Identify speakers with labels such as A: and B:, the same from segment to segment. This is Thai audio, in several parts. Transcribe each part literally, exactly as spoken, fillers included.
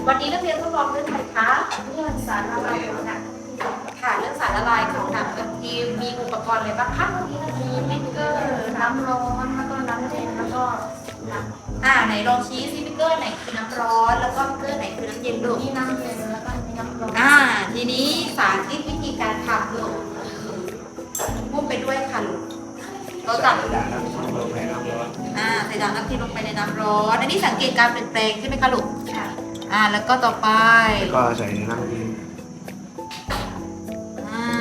A: วันนี้นักเรียนทดลองเรื่องอะไรคะเรื่องสารละลายของหนักค่ะเรื่องสารละลายของหนักทีมีอุปกรณ์อะไรบ้างคะมีมิกเกอร์น้ำร้อนแล้วก็น้ำเย็นแล้วก็น้ำอ่าไหนลองชี้ซิมิกเกอร์ไหนคือน้ำร้อนแล้วก็มิกเกอร์ไหนคือน้ำเย็นดูนี่น้ำเย็นแล้วก็มีน้ำร้อนอ่าทีนี้สาธิตวิธีการทำดูพูดไปด้วยค่ะลูกเราจับอ่าใส่ด่างน้ำทิพย์ลงไปในน้ำร้อนอันนี้สังเกตการเปลี่ยนแปลงใช่ไหมคะลูกค่ะอ่าแล้วก็ต่อไป
B: ก็ใส่ในน้ำเย็น
A: อ่า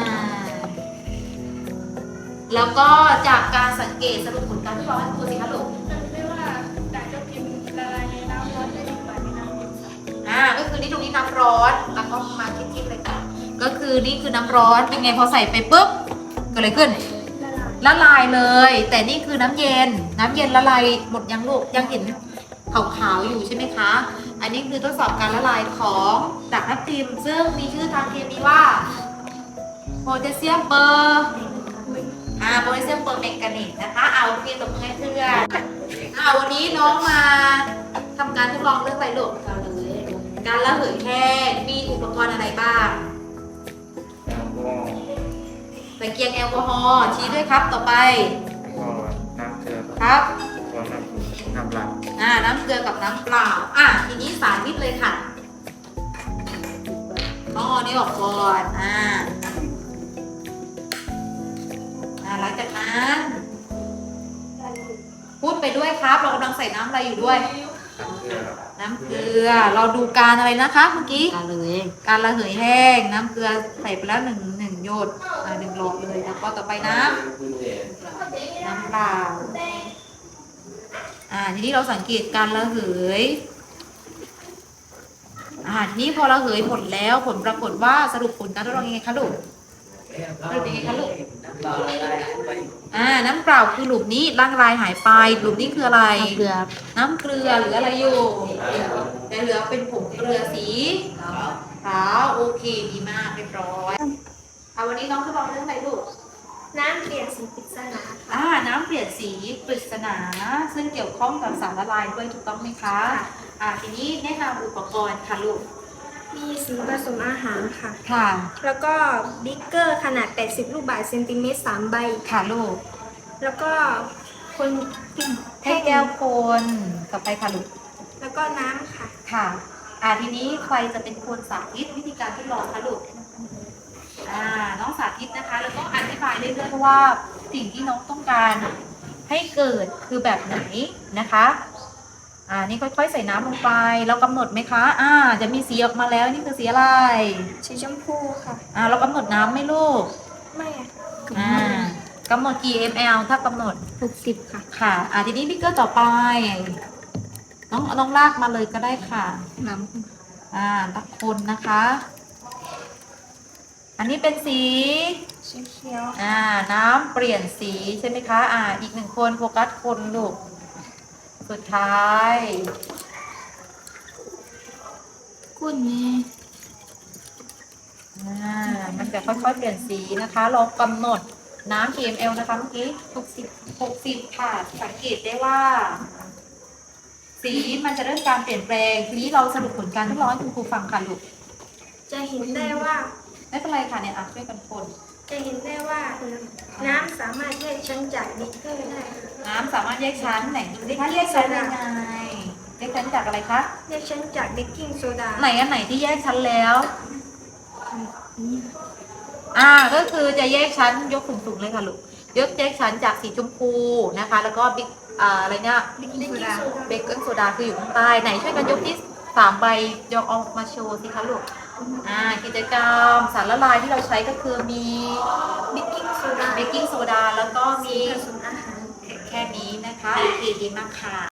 A: แล้วก็จากการสังเกตสรุปผลการทดลองให้ครูสิคะลูก
C: ไม่ว่าด่างทับทิมละลายในน้ำร้อนได้ดีกว่าในน้ำเย็น
A: อ่าก็คือนี่ตรงนี้น้ำร้อนแล้วก็มาคิดๆเลยค่ะก็คือนี่คือน้ำร้อนเป็นไงพอใส่ไปปุ๊บเกิดอะไรขึ้นละลายเลยแต่นี่คือน้ำเย็นน้ำเย็นละลายหมดยังลูกยังเห็นขาวๆอยู่ใช่ไหมคะอันนี้คือทดสอบการละลายของด่างทับทิมซึ่งมีชื่อทางเคมีว่าโพแทสเซียมเปอร์อ่าโพแทสเซียมเปอร์แมงกานีสนะคะเอาเพียงตบมือให้เพื่อนอ่าวันนี้น้องมาทำการทดลองเรื่องอะไรลูกการระเหยแห้งมีอุปกรณ์อะไรบ้างตะเกียงแอลกอฮอล์ชี้ด้วยครับต่อไป
B: ก็น้ำเกลือ
A: ครับ
B: ก็น้ำน้ำเปล่า
A: อ่าน้ำเกลือกับน้ำเปล่าอ่ะทีนี้สาธิตเลยค่ะอ๋อนี่ออกก่อนอ่าอ่าหลังจากนั้นพูดไปด้วยครับเรากำลังใส่น้ำอะไรอยู่ด้วยน้ำเกลือเราดูการอะไรนะคะเมื่อกี้การระเหยการระเหยแห้งน้ำเกลือใส่ไปแล้วหนึ่งหนึ่งหยดอ่าหนึ่งหลอดเลยแล้วก็ต่อไปน้ำน้ำเปล่าอ่าทีนี้เราสังเกตการระเหยอ่าทีนี้พอระเหยผลแล้วผลปรากฏว่าสรุปผลการทดลองยังไงคะลูกสรุปยังไงคะลูกอ่าน้ำเปล่าคือหลุมนี้ร่างลายหายไปหลุมนี้คืออะไรน้ำเกลือน้ำเกลือหรืออะไรอยู่แต่เหลือเป็นผงเกลือสีขาวโอเคดีมากเรียบร้อยเอาวันนี้น้องทดลองเรื่องอะไรลูก
C: น้ำเปลี่ยนสีปริศนา
A: อ่าน้ำเปลี่ยนสีปริศนาซึ่งเกี่ยวข้องกับสารละลายด้วยถูกต้องไหมคะอ่าทีนี้แนะนำอุปกรณ์ค่ะลูก
C: มีสีผสมอาหารค่ะ
A: ค่ะ
C: แล้วก็บิ๊กเกอร์ขนาดแปดสิบลูกบาศก์เซนติเมตรสามใบ
A: ค่ะลูก
C: แล้วก็คน
A: ให้แก้วคนต่อไปค่ะลูก
C: แล้วก็น้ำค่ะ
A: ค่ะอ่าทีนี้ใครจะเป็นคนสาธิตวิธีการทดลองคะลูกอ่าน้องสาธิตนะคะแล้วก็อธิบายเรื่อยๆว่าสิ่งที่น้องต้องการให้เกิดคือแบบไหนนะคะอ่านี่ค่อยๆใส่น้ำลงไปเรากำหนดไหมคะอ่าจะมีสีออกมาแล้วนี่คือสีอะไร
C: สีชมพูค่ะ
A: อ่าเรากำหนดน้ำไหมลูก
C: ไม่
A: อ่ากำหนดกี่ มล ถ้ากำหนด
C: หกสิบค่ะ
A: ค่ะอ่าทีนี้บิ๊กเกอร์ต่อไปน้องน้องลากมาเลยก็ได้ค่ะ
C: น้ำ
A: อ่าตักคนนะคะอันนี้เป็นสี
C: สีเขียว
A: อ่าน้ำเปลี่ยนสีใช่ไหมคะอ่าอีกหนึ่งคนโฟกัสคนลูกสุดท้าย
C: คุณนี่
A: อ่ามันจะค่อยๆเปลี่ยนสีนะคะเรากำหนดน้ำ กี่ มล นะคะเมื่อกี้หกสิบ หกสิบค่ะสังเกตได้ว่าสีมันจะเริ่มการเปลี่ยนแปลงทีนี้เราสรุปผลการทดลองให้คุณครูฟังค่ะลูก
C: จะเห็นได้ว่า
A: ไม่เป็นไรค่ะเนี่ยอ่ะช่วยกันคน
C: จะเห็นได้ว่าน้ำสามารถแยกชั้นจากบิ๊กเกอร์ได้
A: น้ำสามารถแยกชั้นไหนดูดิคะแยกชั้นยังไงแยกชั้นจากอะไรคะ
C: แยกชั้นจากเบกกิ้งโซดา
A: ไหนอันไหนที่แยกชั้นแล้วอ่าก็คือจะแยกชั้นยกสูงๆเลยค่ะลูกยกแยกชั้นจากสีชมพูนะคะแล้วก็บิ๊กอ่าอะไรเนี่ยเบกกิ้งโซดาเบกกิ้งโซดาคืออยู่ข้างใต้ไหนช่วยกันยกที่สามใบยกออกมาโชว์สิคะลูกอ่ากิจกรรมสารละลายที่เราใช้ก็คือมี
C: เบกกิ้งโซดา
A: เบกกิ้งโซดาแล้วก็มี
C: ผสมอาหาร
A: แค่นี้นะคะโอเคดีมากค่ะ